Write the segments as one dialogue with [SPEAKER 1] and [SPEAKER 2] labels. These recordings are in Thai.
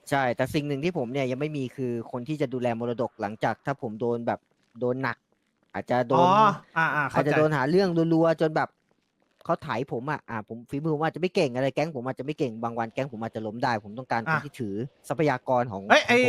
[SPEAKER 1] ใช่แต่สิ่งหนึ่งที่ผมเนี่ยยังไม่มีคือคนที่จะดูแลมรดกหลังจากถ้าผมโดนแบบโดนหนักอาจจะโด
[SPEAKER 2] อ๋อ
[SPEAKER 1] นอาจ
[SPEAKER 2] เข้าใจ
[SPEAKER 1] จะโดนหาเรื่องรัวๆจนแบบเขาไถผมผมฝีมือผมอาจจะไม่เก่งอะไรแก๊งผมอาจจะไม่เก่งบางวันแก๊งผมอาจจะล้มได้ผมต้องการค
[SPEAKER 2] อ่ะ
[SPEAKER 1] นที่ถือทรัพยากรของ
[SPEAKER 2] เอ้ย
[SPEAKER 1] ของผม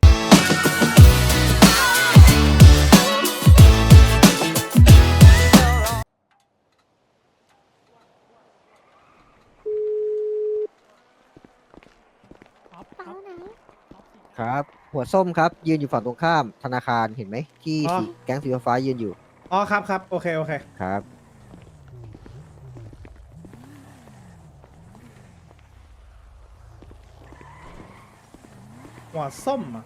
[SPEAKER 1] ครับหัวส้มครับยืนอยู่ฝั่งตรงข้ามธนาคารเห็นไหมที่
[SPEAKER 2] อ๋อ
[SPEAKER 1] สีแก๊งสีฟ้ายืนอยู่
[SPEAKER 2] อ๋อครับครับโอเคโอเค
[SPEAKER 1] ครับ
[SPEAKER 2] หัวส้มอ่ะ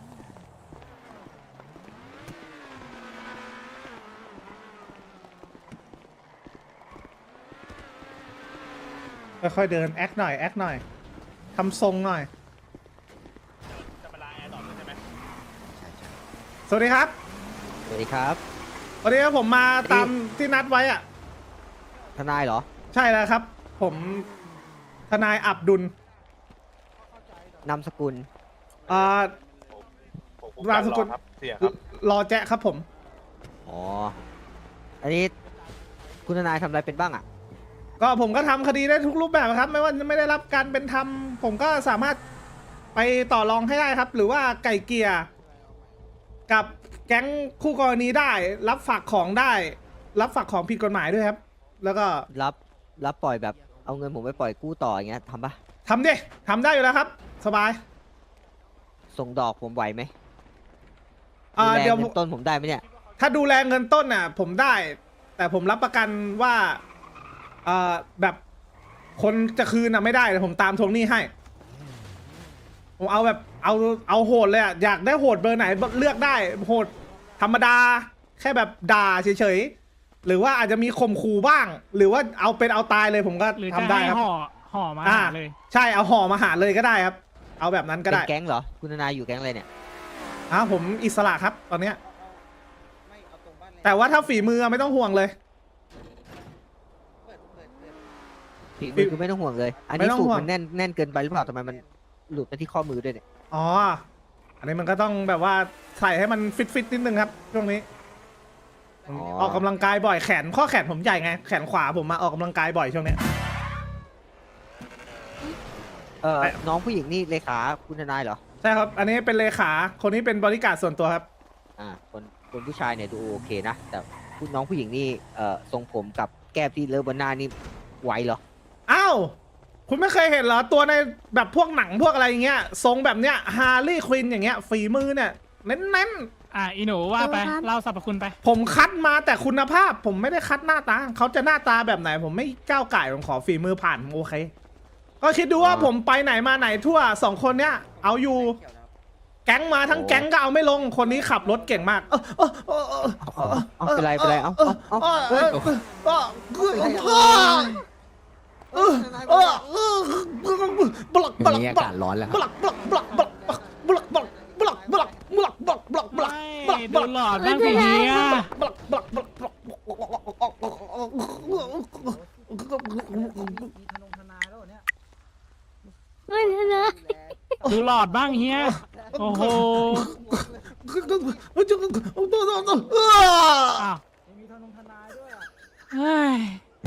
[SPEAKER 2] ค่อยๆเดินแอคหน่อยแอคหน่อยทำทรงหน่อยสวัสดีครับ
[SPEAKER 1] สวัสดีครับ
[SPEAKER 2] วันนี้ผมมาตามที่นัดไว้อ่ะ
[SPEAKER 1] ทนายเหรอ
[SPEAKER 2] ใช่แล้วครับ ผมทนายอับดุล
[SPEAKER 1] นามสกุล
[SPEAKER 2] อ่า
[SPEAKER 3] ผม
[SPEAKER 2] นามสกุล
[SPEAKER 3] ครับเสียครับ
[SPEAKER 2] รอแจ๊ะครับผม
[SPEAKER 1] อ๋ออันนี้คุณทนายทำอะไรเป็นบ้างอ่ะ
[SPEAKER 2] ก็ผมก็ทำคดีได้ทุกรูปแบบครับ ไม่ว่าจะไม่ได้รับการเป็นธรรมผมก็สามารถไปต่อรองให้ได้ครับ หรือว่าไก่เกลี่ยกับแก๊งคู่กรณีได้ รับฝากของได้ รับฝากของผิดกฎหมายด้วยครับ แล้วก็
[SPEAKER 1] รับรับปล่อยแบบเอาเงินผมไปปล่อยกู้ต่ออย่างเงี้ยทำปะ
[SPEAKER 2] ทำดิทำได้อยู่แล้วครับ สบาย
[SPEAKER 1] ส่งดอกผมไหวไหมดูแล
[SPEAKER 2] เดี๋ยว
[SPEAKER 1] เงินต้นผมได้ไหมเนี่ย
[SPEAKER 2] ถ้าดูแลเงินต้นน่ะผมได้ แต่ผมรับประกันว่าแบบคนจะคืนน่ะไม่ได้แต่ผมตามทวงหนี้ให้ ผมเอาแบบเอาโหดเลยอ่ะอยากได้โหดเบอร์ไหนเลือกได้โหดธรรมดาแค่แบบด่าเฉยๆหรือว่าอาจจะมีข่มขู่บ้าง หรือว่าเอาเป็นเอาตายเลยผมก็
[SPEAKER 4] หรือ
[SPEAKER 2] ทำ
[SPEAKER 4] จะ
[SPEAKER 2] ได้
[SPEAKER 4] ให้
[SPEAKER 2] ครับ
[SPEAKER 4] ห่อมาหาเลย
[SPEAKER 2] ใช่เอาห่อมาหาเลยก็ได้ครับ เอาแบบนั้นก็
[SPEAKER 1] เป็
[SPEAKER 2] ได้
[SPEAKER 1] นแก๊งเหรอคุณทนายอยู่แก๊งอะไรเนี่ย
[SPEAKER 2] ผมอิสระครับตอนเนี้ยแต่ว่าถ้าฝีมือไม่ต้องห่วงเลย
[SPEAKER 1] ฝีมือคือไม่ต้องห่วงเลย อันนี้
[SPEAKER 2] ไม่ต้อง
[SPEAKER 1] สูต
[SPEAKER 2] ห่
[SPEAKER 1] ร
[SPEAKER 2] วง
[SPEAKER 1] มันแน่นเกินไปหรือเปล่าทำไมมันหลุดไปที่ข้อมือด้วยเนี่ย
[SPEAKER 2] อ๋อ อันนี้มันก็ต้องแบบว่าใส่ให้มันฟิตนิดนึงครับช่วงนี้ออกกำลังกายบ่อยข้อแขนผมใหญ่ไงแขนขวาผมมาออกกำลังกายบ่อยช่วงนี้
[SPEAKER 1] น้องผู้หญิงนี่เลขาคุณทนายเหรอ
[SPEAKER 2] ใช่ครับ อันนี้เป็นเลขาคนนี้เป็นบริการส่วนตัวครับ
[SPEAKER 1] คนผู้ชายเนี่ยดูโอเคนะ แต่คุณน้องผู้หญิงนี่ทรงผมกับแก้มที่เลอะบนหน้านี่ไหวเหรอ
[SPEAKER 2] อ้าว คุณไม่เคยเห็นเหรอตัวในแบบพวกหนังพวกอะไรอย่างเงี้ยทรงแบบเนี้ยฮาร์ลีย์ควินอย่างเงี้ยฝีมือเนี่ยเน้น
[SPEAKER 4] อีหนูว่าไปเล่าสรรพคุณไป
[SPEAKER 2] ๆผมคัดมาแต่คุณภาพ ผมไม่ได้คัดหน้าตาเขาจะหน้าตาแบบไหน ผมไม่ก้าวไก่ผมขอฝีมือผ่านผมโอเค ก็คิดดูว่าผมไปไหนมาไหนทั่ว2 คนเนี้ยเอาอยู่แก๊งมาทั้งแก๊งก็เอาไม่ลงคนนี้ขับรถเก่งมาก
[SPEAKER 1] เอาเป็นไรเอา
[SPEAKER 5] มีอากาศร้อนแล้วครับ
[SPEAKER 4] ดูหลอดบ้างสิเฮียดูหลอดบ้างเฮียโอ้โหอ้าวเฮ้ย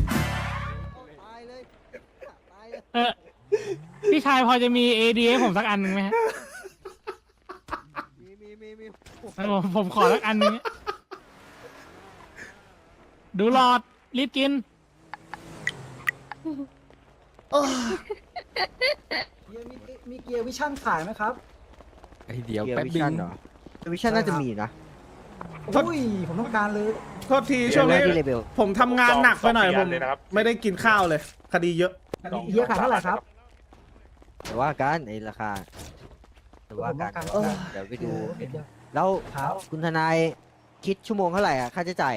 [SPEAKER 4] พี่ชายพอจะมี AD ให้ผมสักอันหนึ่งไหมฮะผมขอสักอันหนึงดูหลอดรีบกิน
[SPEAKER 6] มีเกียร์วิชั่นขายไหมครับ
[SPEAKER 5] เดี๋ยว
[SPEAKER 1] เกีย
[SPEAKER 5] แป๊บ
[SPEAKER 1] ร์วิ
[SPEAKER 5] นึ
[SPEAKER 1] ชั่น
[SPEAKER 5] ง
[SPEAKER 1] เหรอวิชั่นน่าจะมีนะ
[SPEAKER 6] อุ้ย ผมต้องการเลย
[SPEAKER 2] โทษทีช่วงนี้
[SPEAKER 1] ที่เลเบล
[SPEAKER 2] ผมทำงานหนักไปหน่อย
[SPEAKER 3] สอง
[SPEAKER 2] ผ
[SPEAKER 3] ปี
[SPEAKER 2] ม
[SPEAKER 3] เลยนะครับ
[SPEAKER 2] ไม่ได้กินข้าวเลย คดีเยอะ
[SPEAKER 6] เยอะขายเท่าไหร่ครับ
[SPEAKER 1] แต่ว่ากันในราคาแต่ว่ากัน
[SPEAKER 6] เออ
[SPEAKER 1] เดี๋ยวไปดู แล้ว
[SPEAKER 6] ครับ
[SPEAKER 1] คุณทนายคิดชั่วโมงเท่าไหร่อ่ะค่าใช้จ่าย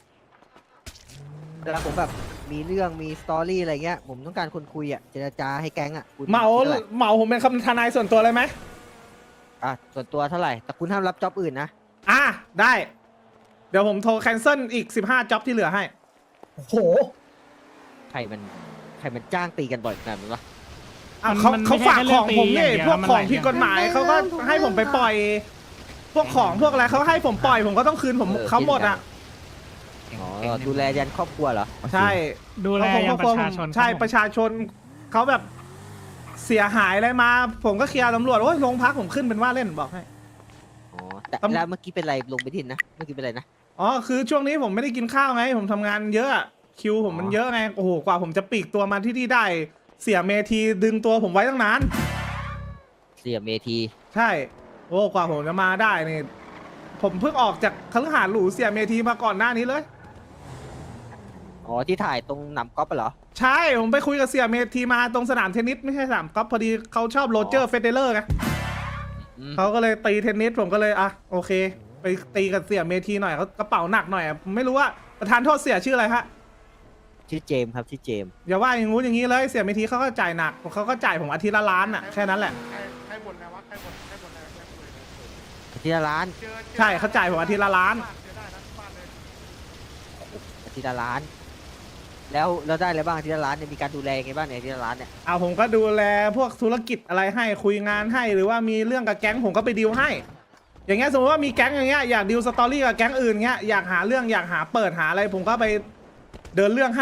[SPEAKER 1] เวลาผมแบบมีเรื่องมีสตอรี่อะไรเงี้ยผมต้องการคนคุยอ่ะเจรจาให้แก๊งอ่ะคุณ
[SPEAKER 2] เหมา
[SPEAKER 1] คิดท่ไหร่
[SPEAKER 2] เหมาผมเป็นคำทนายส่วนตัวเลยไหม
[SPEAKER 1] ส่วนตัวเท่าไหร่แต่คุณห้ามรับจ็อบอื่นนะ
[SPEAKER 2] ได้ เดี๋ยวผมโทรแคนเซิลอีก15จ็อบที่เหลือให้
[SPEAKER 6] โอ้โห
[SPEAKER 1] ใครมันจ้างตีกันบ่อยขนาดนั้นวะ
[SPEAKER 2] เขา
[SPEAKER 4] มัน
[SPEAKER 2] เขา
[SPEAKER 4] ไม่ใช่
[SPEAKER 2] ฝาก
[SPEAKER 4] แค่
[SPEAKER 2] ข
[SPEAKER 4] เรื่
[SPEAKER 2] องผม
[SPEAKER 4] ตี
[SPEAKER 2] นี่
[SPEAKER 4] ย่าดีย
[SPEAKER 2] พวก
[SPEAKER 4] มัน
[SPEAKER 2] ข
[SPEAKER 4] ห
[SPEAKER 2] อ
[SPEAKER 4] ลาง
[SPEAKER 2] ผิดกฎหมายเขาก็ให้ผมไปปล่อย พวกของพวกอะไรเขาให้ผมปล่อยผมก็ต้องคืนผมเขาหมดอ่ะ
[SPEAKER 1] อ๋อดูแลยันครอบครัวเหรอ
[SPEAKER 2] ใช่
[SPEAKER 4] ดูแลยังประชาชน
[SPEAKER 2] ใช่
[SPEAKER 4] ครับผม
[SPEAKER 2] ประชาชนเขาแบบเสียหายอะไรมา ผมก็เคลียร์ตำรวจโอ้ยโรงพักผมขึ้นเป็นว่าเล่นบอกให้
[SPEAKER 1] อ๋อแต่
[SPEAKER 2] ตำ
[SPEAKER 1] แล้วเมื่อกี้เป็นไรลงไปทินนะเมื่อกี้เป็นไรนะ
[SPEAKER 2] อ๋อคือช่วงนี้ผมไม่ได้กินข้าวไง ผมทำงานเยอะอะคิวผมมันเยอะไงโอ้โหกว่าผมจะปลีกตัวมาที่นี่ได้ เสียเมทีดึงตัวผมไว้ตั้งนาน
[SPEAKER 1] เสียเมที
[SPEAKER 2] ใช่โอ้กว่าผมจะมาได้นี่ผมเพิ่งออกจากคฤหาสน์หรูเสียเมทีมาก่อนหน้านี้เลย
[SPEAKER 1] อ๋อที่ถ่ายตรงหนำก๊อฟเหรอ
[SPEAKER 2] ใช่ผมไปคุยกับเสียเมทีมาตรงสนามเทนนิสไม่ใช่สนามกอล์ฟพอดีเขาชอบโรเจอร์เฟเดเลอร์ไง
[SPEAKER 1] อืม
[SPEAKER 2] เขาก็เลยตีเทนนิสผมก็เลยอ่ะโอเค ไปตีกับเสียเมทีหน่อยเขากระเป๋าหนักหน่อยอะผมไม่รู้ว่าประธานโทษเสียชื่ออะไรฮะ
[SPEAKER 1] ชื่อเจมส์ครับชื่อเจมส์
[SPEAKER 2] อย่าว่าอย่างงู้นอย่างนี้เลยเสียเมทีเขาก็จ่ายหนักเขาก็จ่ายผมอาทิตย์ละล้านอ่ะแค่นั้นแหละ
[SPEAKER 3] ใครบ่นนะวะใครบ่นอะไร
[SPEAKER 1] อาทิตย์ละล้าน
[SPEAKER 2] ใช่เขาจ่ายผมอาทิตย์ละล้าน
[SPEAKER 3] เจอได้นะบ้านเลย
[SPEAKER 1] อาทิตย์ละล้าน แล้วได้อะไรบ้างอาทิตย์ละล้านเนี่ยมีการดูแลยังไงบ้างเนี่ยอาทิตย์ละล้านเนี่ย
[SPEAKER 2] เอาผมก็ดูแลพวกธุรกิจอะไรให้คุยงานให้หรือว่ามีเรื่องกับแก๊งผมก็ไปดีลให้ อย่างเงี้ยสมมติว่ามีแก๊งอย่างเงี้ยอยากดีลสตอรี่กับแก๊งอื่นเงี้ยอยากหาเรื่องอยากหาเปิดหาอะไร ผมก็ไปเดินเรื่องให้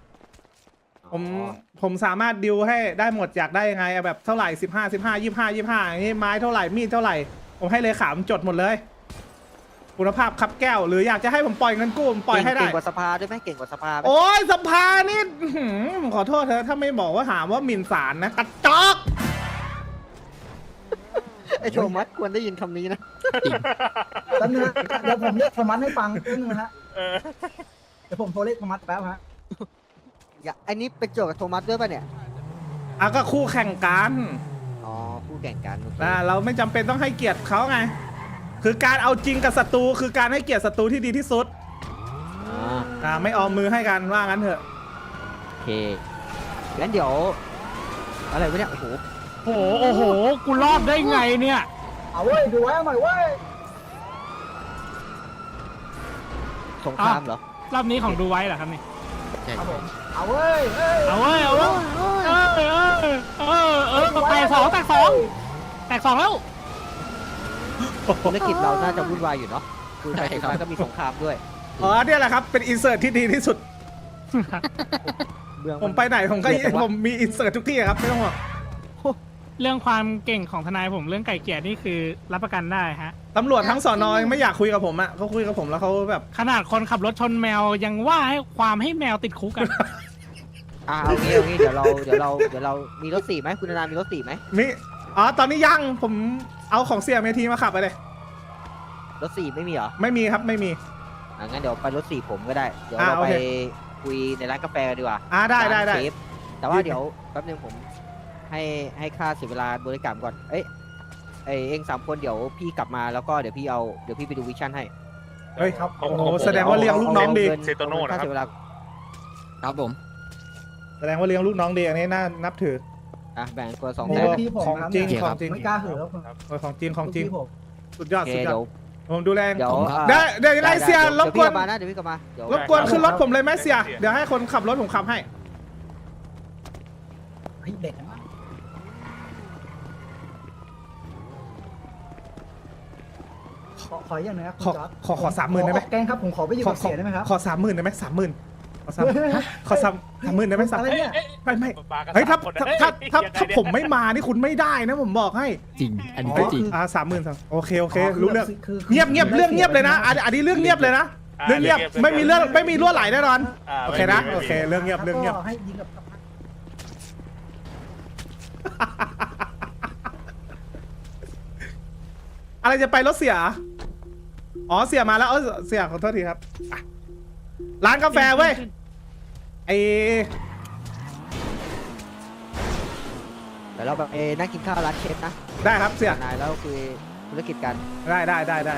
[SPEAKER 2] ผมสามารถดิวให้ได้หมดอยากได้ยังไงเอาแบบเท่าไหร่15 อย่างนี้ไม้เท่าไหร่มีดเท่าไหร่ผมให้เลขาผมจดหมดเลย คุณภาพคับแก้ว หรืออยากจะให้ผมปล่อยเงินกู้ผมปล่อยให้ได้
[SPEAKER 1] เก่งกว่าสภาด้วยไหมเก่งกว่าสภาไหม
[SPEAKER 2] โอ้ยสภานี่อื้อหือผมขอโทษเธอถ้าไม่บอกว่าหาว่าหมิ่นศาลนะกระจอก
[SPEAKER 1] ไอโทมัสควรได้ยินคำนี้นะ
[SPEAKER 6] แป๊บนึงนะเดี๋ยวผมเรียกโทมัสให้ฟังแป๊บนึงนะฮะเดี๋ยวผมโทรเรียกโทมัสแป๊บฮะ
[SPEAKER 1] อันนี้เป็นโจทย์กับโทมัสด้วยป่ะเนี่ย
[SPEAKER 2] อ่ะก็คู่แข่งกัน
[SPEAKER 1] อ๋อคู่แข่งกันโอเค
[SPEAKER 2] นะเราไม่จำเป็นต้องให้เกียรติเขาไง คือการเอาจริงกับศัตรูคือการให้เกียรติศัตรูที่ดีที่สุด ไม่ออมมือให้กันว่างั้นเถอะ
[SPEAKER 1] โอเคงั้นเดี๋ยวอะไรวะเนี่ยโอ้โห
[SPEAKER 4] โอ้โหกูรอดได้ไงเนี่ย
[SPEAKER 6] เอาเว้ยดูไว้เอาหน่อยเว้ย
[SPEAKER 1] สงครามเหรอ
[SPEAKER 4] รอบนี้ของดูไว้เหรอครับนี่
[SPEAKER 6] ครับผมเอาเว้ยเอ้ย
[SPEAKER 4] เอาเว้ยเอาเว้ยแตกสองแล้ว
[SPEAKER 1] ธุรกิจเราน่าจะวุ่นวายอยู่เนาะคือไปถึงมาก็มีสงครามด้วย
[SPEAKER 2] อ๋อเนี่ยแหละครับเป็นอินเสิร์ตที่ดีที่สุด
[SPEAKER 1] เมือง
[SPEAKER 2] ผมไปไหนผมก็ผมมีอินเสิร์ตทุกที่ครับไม่ต้องห่วง
[SPEAKER 4] เรื่องความเก่งของทนายผมเรื่องไก่เกลี่ยนี่คือรับประกันได้ฮะ
[SPEAKER 2] ตำรวจทั้งสอนอยังไม่อยากคุยกับผมอ่ะเขาคุยกับผมแล้วเขาแบบ
[SPEAKER 4] ขนาดคนขับรถชนแมวยังว่าให้ความให้แมวติดคุกกัน
[SPEAKER 1] เอางี้เดี๋ยวเรามีรถ4ไหมคุณนานามีรถ4ไหม
[SPEAKER 2] มีอ๋อตอนนี้ยังผมเอาของเสียเมทีมาขับไปเลย
[SPEAKER 1] รถ4ไม่มีเหรอ
[SPEAKER 2] ไม่มีครับไม่มี
[SPEAKER 1] งั้นเดี๋ยวไปรถ4ผมก็ได้เดี๋ยว
[SPEAKER 2] อ่า
[SPEAKER 1] เรา
[SPEAKER 2] โอ
[SPEAKER 1] ไป
[SPEAKER 2] เค
[SPEAKER 1] คุยในร้านกาแฟกันดีกว่า
[SPEAKER 2] ได้
[SPEAKER 1] ร้าน
[SPEAKER 2] ได้
[SPEAKER 1] เชฟแต่ว่าเดี๋ยวแป๊บนึงผมให้ค่าเสียเวลาบริการก่อนเอง3คนเดี๋ยวพี่กลับมาแล้วก็เดี๋ยวพี่ไปดูวิชั่นให้
[SPEAKER 2] เฮ้ยครับโอ้โหแสดงว่าเลี้ยงลูกน้องดี
[SPEAKER 1] เซโตโน่นะครับเวลา
[SPEAKER 5] ครับผม
[SPEAKER 2] แสดงว่าเลี้ยงลูกน้องดีอันนี้น่านับถือ
[SPEAKER 1] แบ่งคนละ2
[SPEAKER 2] โอ้
[SPEAKER 1] แสน
[SPEAKER 6] พี่ผม
[SPEAKER 2] ของ
[SPEAKER 6] ครับ
[SPEAKER 2] จริง
[SPEAKER 6] เนี่ย
[SPEAKER 2] ของจริง
[SPEAKER 6] ไม่กล้าเหือะครับ
[SPEAKER 2] โอ้ยของจริงของจริง
[SPEAKER 6] พี่ผม
[SPEAKER 2] สุดยอ
[SPEAKER 1] โอ
[SPEAKER 2] ด
[SPEAKER 1] เค
[SPEAKER 2] สุดยอ
[SPEAKER 1] เดี๋
[SPEAKER 2] ด
[SPEAKER 1] ยว
[SPEAKER 2] ผมดูแล
[SPEAKER 1] เดี๋ยว
[SPEAKER 2] เดี๋ยวยังไงเสียรบกวน
[SPEAKER 1] เดี๋ยวพี่กลับมาเดี๋ยว
[SPEAKER 2] รบกวนขึ้นรถผมเลยไหมเสียเดี๋ยวให้คนขับรถผมขับให้
[SPEAKER 6] เฮ้ยเด็กนะขออย่างหนึงนะคุณจอร์จ
[SPEAKER 2] ขอ30,000ได้ไหม
[SPEAKER 6] แกงครับผมขอไปอยู่กับเสียได้ไหมครับ
[SPEAKER 2] ขอ30,000ได้ไหม30,000ขอ30,000ได้ไหม
[SPEAKER 6] อะไรเนี่ย
[SPEAKER 2] ไม่เฮ้ยถ้าผมไม่มานี่คุณไม่ได้นะผมบอกให้
[SPEAKER 5] จริง อันนี้ก็จริง
[SPEAKER 2] 30,000โอเครู้เรื่อง
[SPEAKER 6] คือ
[SPEAKER 2] เงียบเรื่องเงียบเลยนะอันนี้เรื่องเงียบเลยนะเรื่องเงียบไม่มีรั่วไหลแน่นอนโอเคนะโอเคเรื่องเงียบ
[SPEAKER 6] ก็ให้ยิงกับ
[SPEAKER 2] อะไรจะไปรถเสียอ๋อเสียมาแล้วเสียขอโทษทีครับร้านกาแฟเว้ย
[SPEAKER 1] เดี๋ยวเราแบบนั่งกินข้าวร้านเชฟนะ
[SPEAKER 2] ได้ครับเสีย
[SPEAKER 1] นายแล้วคุยธุรกิจกัน
[SPEAKER 2] ได้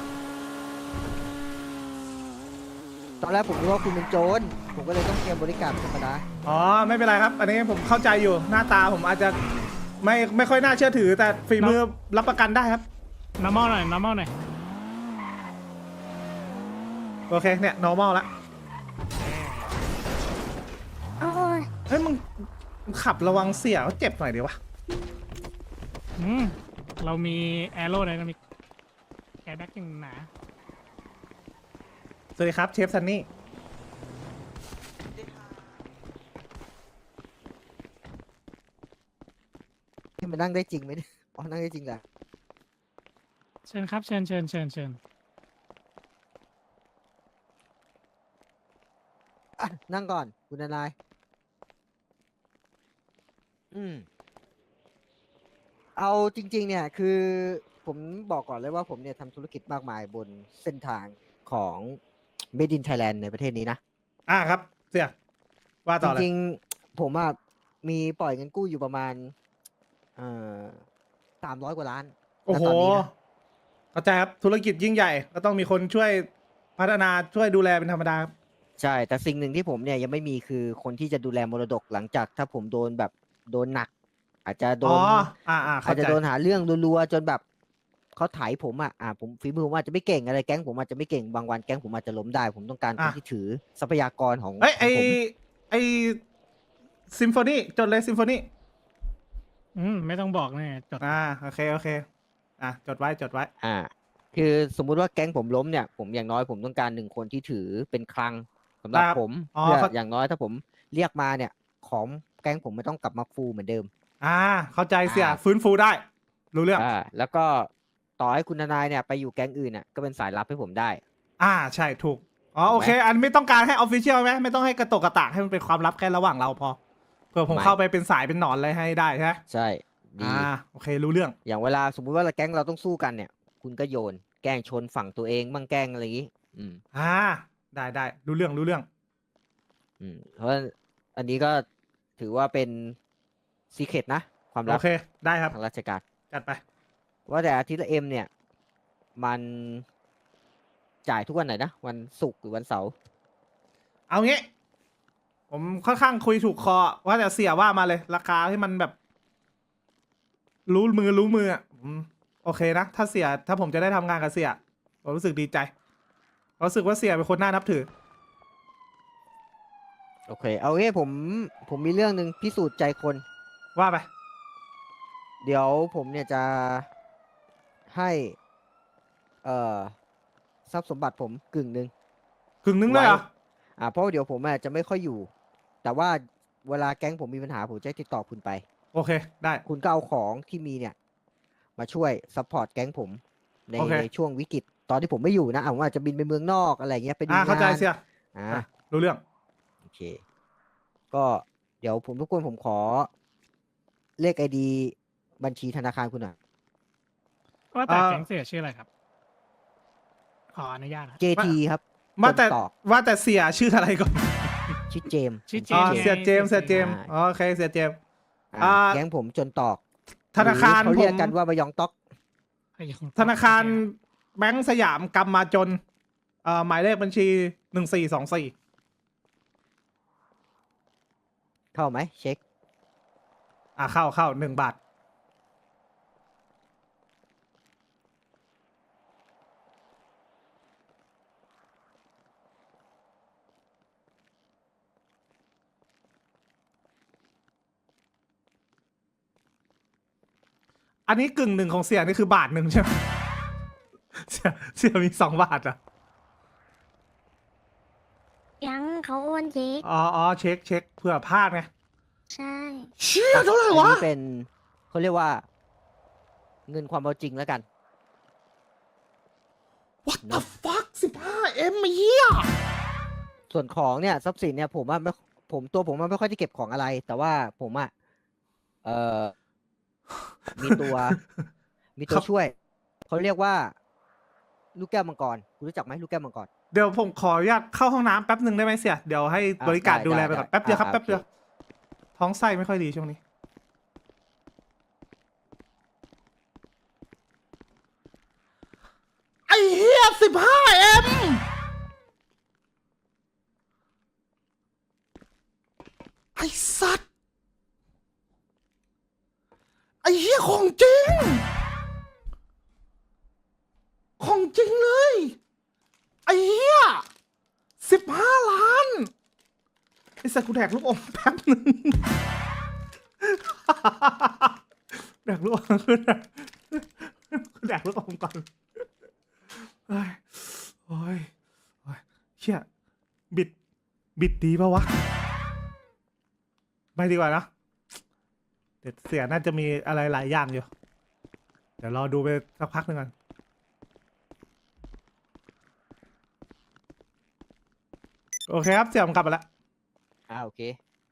[SPEAKER 1] ตอนแรกผมรู้ว่าคุณเป็นโจรผมก็เลยต้องเตรียมบริการธรรมดา
[SPEAKER 2] อ๋อไม่เป็นไรครับ อันนี้ผมเข้าใจอยู่หน้าตาผมอาจจะไม่ค่อยน่าเชื่อถือแต่ฝีมือรับประกันได้ครับ
[SPEAKER 4] normal หน่อย
[SPEAKER 2] โอเคเนี่ย normal ละเฮ้ยมึงขับระวังเสียเขาเจ็บหน่อยดีวะ
[SPEAKER 4] เรามีแอโร่ไดนามิกแอร์แบ็กอย่างหนา
[SPEAKER 2] สวัสดีครับเชฟซันนี่
[SPEAKER 1] ที่มันนั่งได้จริงไหมเนี่ยอ๋อนั่งได้จริงแหละ
[SPEAKER 4] เชิญครับเชิญ
[SPEAKER 1] อ่ะนั่งก่อนคุณนายเอาจริง ๆ เนี่ยคือผมบอกก่อนเลยว่าผมเนี่ยทำธุรกิจมากมายบนเส้นทางของ Made in Thailand ในประเทศนี้นะ
[SPEAKER 2] ครับเสียว่า
[SPEAKER 1] จ
[SPEAKER 2] ต่อเลย
[SPEAKER 1] ริงๆผมอะมีปล่อยเงินกู้อยู่ประมาณ300 กว่าล้าน
[SPEAKER 2] โอ้โห
[SPEAKER 1] ณตนนี้นะ
[SPEAKER 2] เข้าใจครับธุรกิจยิ่งใหญ่ก็ต้องมีคนช่วยพัฒนาช่วยดูแลเป็นธรรมดา
[SPEAKER 1] ใช่ แต่สิ่งหนึ่งที่ผมเนี่ยยังไม่มีคือคนที่จะดูแลมรดกหลังจากถ้าผมโดนแบบโดนหนัก อาจจะโด
[SPEAKER 2] อ๋
[SPEAKER 1] น
[SPEAKER 2] อ
[SPEAKER 1] อา
[SPEAKER 2] เข้า
[SPEAKER 1] จจะ
[SPEAKER 2] ใจ
[SPEAKER 1] โดนหาเรื่องรัวๆจนแบบเขาไถผมผมฝีมือผมอาจจะไม่เก่งอะไรแก๊งผมอาจจะไม่เก่งบางวันแก๊งผมอาจจะล้มได้ ผมต้องการคนที่ถือทรัพยากรของ
[SPEAKER 2] เอ้ย
[SPEAKER 1] ของผม
[SPEAKER 2] ไอซิมโฟนีจดเลยซิมโฟนี
[SPEAKER 4] ไม่ต้องบอกเนี่ยจด
[SPEAKER 2] โอเคจดไว้
[SPEAKER 1] คือสมมุติว่าแก๊งผมล้มเนี่ยผมอย่างน้อยผมต้องการ1 คนที่ถือเป็นคลังสำหรับ
[SPEAKER 2] ครับ
[SPEAKER 1] ผม
[SPEAKER 2] อ๋อ
[SPEAKER 1] เพื่อ
[SPEAKER 2] เข้า
[SPEAKER 1] อย่างน้อยถ้าผมเรียกมาเนี่ยของแก๊งผมไม่ต้องกลับมาฟูเหมือนเดิม
[SPEAKER 2] เข้าใจเสีย
[SPEAKER 1] อ่า
[SPEAKER 2] ฟื้นฟูได้ รู้เรื่อง
[SPEAKER 1] แล้วก็ต่อให้คุณทนายเนี่ยไปอยู่แก๊งอื่นน่ะก็เป็นสายลับให้ผมได้
[SPEAKER 2] ใช่ถูกโอเค
[SPEAKER 1] ถูกไหม
[SPEAKER 2] อันไม่ต้องการให้ออฟฟิเชียลไหมไม่ต้องให้กระตกกระตากให้มันเป็นความลับแค่ระหว่างเราพอเผื่อผม
[SPEAKER 1] ไม่
[SPEAKER 2] เข้าไปเป็นสายเป็นหนอนอะไรให้ได้ใช่ไหม
[SPEAKER 1] ใช่ดี
[SPEAKER 2] โอเครู้เรื่อง
[SPEAKER 1] อย่างเวลาสมมุติว่าแก๊งเราต้องสู้กันเนี่ย คุณก็โยนแกล้งชนฝั่งตัวเองบ้างแกล้งอะไรอย่างนี้
[SPEAKER 2] ได้รู้เรื่อง
[SPEAKER 1] เพราะอันนี้ก็ถือว่าเป็นซีเคร็ตนะ ความลั
[SPEAKER 2] โอบ เคได้ครับ
[SPEAKER 1] ทางราชการ
[SPEAKER 2] จัดไป
[SPEAKER 1] ว่าแต่อาทิตย์ละเอ็มเนี่ย มันจ่ายทุกวันไหนนะ วันศุกร์หรือวันเสาร์
[SPEAKER 2] เอางี้ ผมค่อนข้างคุยถูกคอว่าแต่เสียว่ามาเลย ราคาที่มันแบบ รู้มืออ่ะโอเคนะถ้าผมจะได้ทำงานกับเสียผมรู้สึกดีใจรู้สึกว่าเสียเป็นคนน่านับถือ
[SPEAKER 1] โอเค เอางี้ผมมีเรื่องหนึ่งพิสูจน์ใจคน
[SPEAKER 2] ว่าไป
[SPEAKER 1] เดี๋ยวผมเนี่ยจะให้ทรัพย์สมบัติผมกึ่งหนึ่ง
[SPEAKER 2] กึ่งนึงเลยเหรอ
[SPEAKER 1] เพราะว่าเดี๋ยวผมจะไม่ค่อยอยู่ แต่ว่าเวลาแก๊งผมมีปัญหาผมจะติดต่อคุณไป
[SPEAKER 2] โอเคได้
[SPEAKER 1] คุณก็เอาของที่มีเนี่ย มาช่วยซัพพอร์ตแก๊งผมใน
[SPEAKER 2] โอเค
[SPEAKER 1] ในช่วงวิกฤตตอนที่ผมไม่อยู่นะผมอาจจะบินไปเมืองนอกอะไรเงี้ยไปดูงาน
[SPEAKER 2] เข้าใจเสีย
[SPEAKER 1] อ่า
[SPEAKER 2] รู้เรื่อง
[SPEAKER 1] โอเค ก็เดี๋ยวผมทุกคนผมขอเลขไอดีบัญชีธนาคารคุณหน่อย
[SPEAKER 4] ว่าแต่แก๊งเสียชื่ออะไรครับ ขออนุญาตครับ
[SPEAKER 1] JT ครับ
[SPEAKER 2] ว่าแต่
[SPEAKER 1] จนตอก
[SPEAKER 2] ว่าแต่เสียชื่ออะไรก่อน
[SPEAKER 1] ชื่อเจมส์
[SPEAKER 4] ชื่อเจ
[SPEAKER 2] อ๋อ
[SPEAKER 4] มส์
[SPEAKER 2] เสียเจมส์
[SPEAKER 4] เสียเจมส์
[SPEAKER 2] โอเคเสียเจมส์
[SPEAKER 1] อ่า
[SPEAKER 2] อ่า
[SPEAKER 1] แก๊งผมจนตอก
[SPEAKER 2] ธนาคาร
[SPEAKER 1] หรือเขา
[SPEAKER 2] ผ
[SPEAKER 1] เรียก
[SPEAKER 2] ม
[SPEAKER 1] กันว่าบายองต๊อก
[SPEAKER 2] ธนาคารแบงก์สยามกำมาจนหมายเลขบัญชี1424
[SPEAKER 1] เข้าไหมเช็ค
[SPEAKER 2] เข้า1 บาท อันนี้1/2ของเสียนี่คือ1 บาทใช่ไหม เสียมี2 บาทอ่ะ
[SPEAKER 7] ยังเขาโอนเช็ค
[SPEAKER 2] อ๋อเช็คเผื่อพลาดไง
[SPEAKER 7] ใช่
[SPEAKER 2] เชี่ยเท่าไหร่
[SPEAKER 1] อัน
[SPEAKER 2] วะ
[SPEAKER 1] นี้เป็นเขาเรียกว่า เงินความเอาจริงแล้วกัน
[SPEAKER 2] What the fuck 15M เหี้ย
[SPEAKER 1] ส่วนของเนี่ยทรัพย์สินเนี่ยผมว่าไม่ตัวผมว่าไม่ค่อยได้เก็บของอะไร แต่ว่าผมมีตัว มีตัวช่วยเขาเรียกว่า ลูกแก้วมังกรคุณรู้จักไหมลูกแก้วมังกร
[SPEAKER 2] เดี๋ยวผมขออนุญาตเข้าห้องน้ำแป๊บหนึ่งได้ไหมเสีย เดี๋ยวให้บริการ
[SPEAKER 1] ได้
[SPEAKER 2] ดูแลไปก่อน
[SPEAKER 1] ได้
[SPEAKER 2] แป๊บเดียวครับ
[SPEAKER 1] โอเค
[SPEAKER 2] แป๊บเดียว ท้องไส้ไม่ค่อยดีช่วงนี้ ไอ้เหี้ย 15M ไอ้สัตว์ ไอ้เหี้ยของจริง ของจริงเลย ไอ้เหี้ย15 ล้าน ไอ้สัตว์กูแดกลูกอมแป๊บนึงแดกลูกอมขึ้นแดกลูกอมก่อนเฮ้ยโอ้ยโอ้ยเชี่ยบิดดีปะวะไม่ดีกว่านะเดี๋ยวเสียน่าจะมีอะไรหลายอย่างอยู่เดี๋ยวรอดูไปสักพักหนึ่งก่อนโอเคครับเสียผมกลับมาแล้ว
[SPEAKER 1] โอเค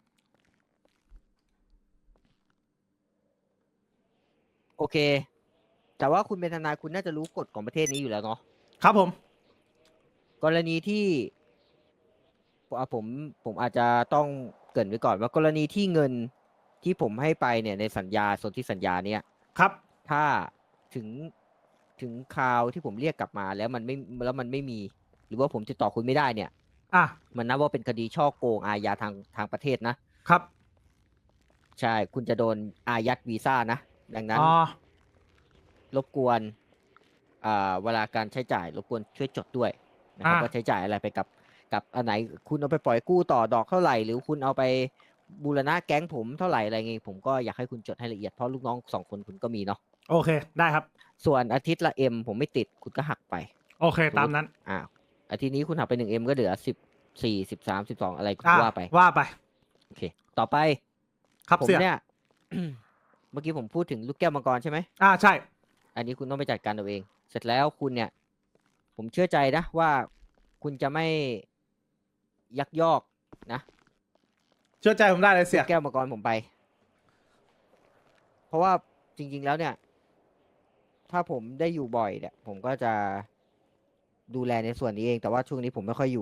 [SPEAKER 1] โอเค แต่ว่าคุณเป็นทนายคุณน่าจะรู้กฎของประเทศนี้อยู่แล้วเนาะ
[SPEAKER 2] ครับผม
[SPEAKER 1] กรณีที่ผมอาจจะต้องเกริ่นไว้ก่อนว่ากรณีที่เงินที่ผมให้ไปเนี่ยในสัญญาสนธิสัญญาเนี่ย
[SPEAKER 2] ครับ
[SPEAKER 1] ถ้าถึงคราวที่ผมเรียกกลับมาแล้วมันไม่มี หรือว่าผมติดต่อคุณไม่ได้เนี่ย
[SPEAKER 2] อ่ะ
[SPEAKER 1] มันนับว่าเป็นคดีช่อโกงอาญาทางประเทศนะครับ ใช่คุณจะโดนอายัดวีซ่านะ ดังนั้น
[SPEAKER 2] อ๋อ
[SPEAKER 1] รบกวนเวลาการใช้จ่ายรบกวนช่วยจดด้วยนะครับว่าใช้จ่ายอะไรไปกับอันไหนคุณเอาไปปล่อยกู้ต่อดอกเท่าไหร่ หรือคุณเอาไปบูรณะแก๊งผมเท่าไหร่อะไรเงี้ยผมก็อยากให้คุณจดให้ละเอียดเพราะลูกน้อง2 คนคุณก็มีเนาะ
[SPEAKER 2] โอเคได้ครับ
[SPEAKER 1] ส่วนอาทิตย์ละเอ็มผมไม่ติดคุณก็หักไป
[SPEAKER 2] โอเคตามนั้น
[SPEAKER 1] อาทิตย์นี้คุณหักไป1 Mก็เหลือ14 13 12อะไรคุณ
[SPEAKER 2] อ่ะ
[SPEAKER 1] ว่าไป
[SPEAKER 2] ว่าไป
[SPEAKER 1] โอเค ต่อไป
[SPEAKER 2] ครับ
[SPEAKER 1] ผม
[SPEAKER 2] เสีย
[SPEAKER 1] เนี่ย เมื่อกี้ผมพูดถึงลูกแก้วมังกรใช่ไหม
[SPEAKER 2] ใช่
[SPEAKER 1] อันนี้คุณต้องไปจัดการเอาเอง เสร็จแล้วคุณเนี่ย ผมเชื่อใจนะว่าคุณจะไม่ยักยอกนะ
[SPEAKER 2] เชื่อใจผมได้เลยเสี
[SPEAKER 1] ลู
[SPEAKER 2] ย
[SPEAKER 1] กแก้วมังกรผมไป เพราะว่าจริง ๆ แล้วเนี่ย ถ้าผมได้อยู่บ่อยเนี่ย ผมก็จะดูแลในส่วนนี้เอง แต่ว่าช่วงนี้ผมไม่ค่อยอยู่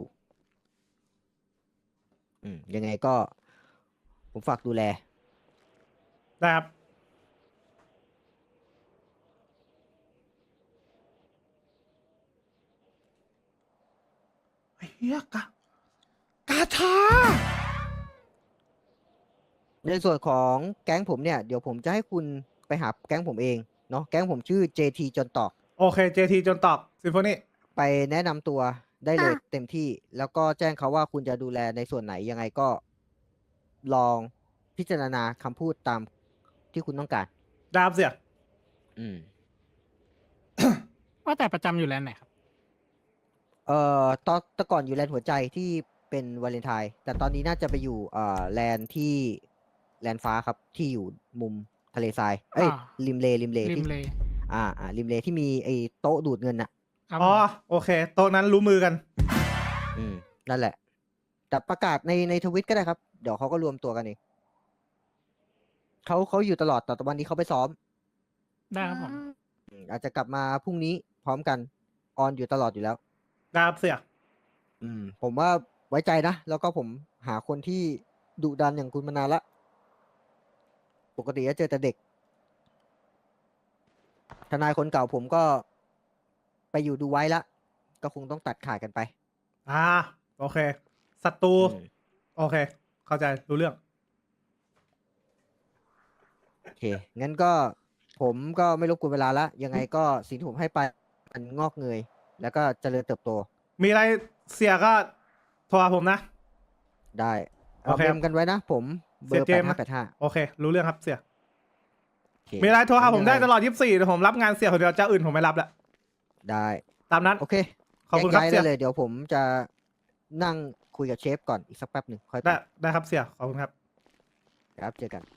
[SPEAKER 1] ยังไงก็ ผมฝากดูแล
[SPEAKER 2] ได้ครับไอ้เฮียกาชา
[SPEAKER 1] ในส่วนของแก๊งผมเนี่ย เดี๋ยวผมจะให้คุณไปหาแก๊งผมเองเนาะ แก๊งผมชื่อ JT จนตอก
[SPEAKER 2] โอเค JT จนตอกซิมโฟนี
[SPEAKER 1] ไปแนะนำตัวได้เลยเต็มที่ แล้วก็แจ้งเขาว่าคุณจะดูแลในส่วนไหนยังไงก็ลองพิจารณาคำพูดตามที่คุณต้องการ
[SPEAKER 2] ได้ครับเสีย
[SPEAKER 1] อืม
[SPEAKER 4] ว่าแต่ประจำอยู่แลนด์ไหนครับ
[SPEAKER 1] ตอนแต่ก่อนอยู่แลนด์หัวใจที่เป็นวาเลนไทน์แต่ตอนนี้น่าจะไปอยู่แลนด์ที่แลนด์ฟ้าครับ ที่อยู่มุมทะเลทราย เอ้ย
[SPEAKER 4] อ่า
[SPEAKER 1] ริมเล
[SPEAKER 4] ริ
[SPEAKER 1] ที่
[SPEAKER 4] มเลย
[SPEAKER 1] ริมเลที่มีไอ้โต๊ะดูดเงินน่ะ
[SPEAKER 4] ครับ
[SPEAKER 2] อ๋อ
[SPEAKER 4] ผม
[SPEAKER 2] โอเค โต๊ะนั้นรู้มือกัน
[SPEAKER 1] นั่นแหละ แต่ประกาศในทวิตก็ได้ครับ เดี๋ยวเขาก็รวมตัวกันเองเขาอยู่ตลอดแต่วันนี้เขาไปซ้อม
[SPEAKER 4] ได้ครับผม
[SPEAKER 1] อาจจะกลับมาพรุ่งนี้พร้อมกันออนอยู่ตลอดอยู่แล้ว
[SPEAKER 2] ได้ครับเสีย
[SPEAKER 1] ผมว่าไว้ใจนะ แล้วก็ผมหาคนที่ดุดันอย่างคุณมานานละ ปกติจะเจอแต่เด็ก ทนายคนเก่าผมก็ไปอยู่ดูไว้ละ ก็คงต้องตัดขาดกันไป
[SPEAKER 2] โอเค ศัตรู
[SPEAKER 1] อืม
[SPEAKER 2] โอเค เข้าใจ รู้เรื่อง
[SPEAKER 1] โอเค งั้นก็ผมก็ไม่รบกวนเวลาละ ยังไงก็สิ่งที่ผมให้ไปมันงอกเงย แล้วก็เจริญเติบโต
[SPEAKER 2] มีอะไรเสียก็โทรหาผมนะ
[SPEAKER 1] ได้
[SPEAKER 2] โอ
[SPEAKER 1] เอา
[SPEAKER 2] เค
[SPEAKER 1] เมมกันไว้นะ ผมเบอ
[SPEAKER 2] เสีย
[SPEAKER 1] ร์
[SPEAKER 2] เจมส์นะ
[SPEAKER 1] 8585
[SPEAKER 2] โอเค รู้เรื่องครับเสีย
[SPEAKER 1] โอเค
[SPEAKER 2] มีอะไรโทรหาผมได้
[SPEAKER 1] ยังง
[SPEAKER 2] ตลอด 24เดี๋ยวผมรับงานเสียคนเดียวเจ้าอื่นผมไม่รับแล้ว
[SPEAKER 1] ได้
[SPEAKER 2] ตามนั้น
[SPEAKER 1] โอเค
[SPEAKER 2] ขอบคุณครับ
[SPEAKER 1] แยก
[SPEAKER 2] เสี
[SPEAKER 1] ย้าย
[SPEAKER 2] ย
[SPEAKER 1] ได้เลย เดี๋ยวผมจะนั่งคุยกับเชฟก่อนอีกสักแป๊บหนึ่งค่อยไป
[SPEAKER 2] ได้ครับเสีย ขอบคุณครับ
[SPEAKER 1] ครับ เจอกัน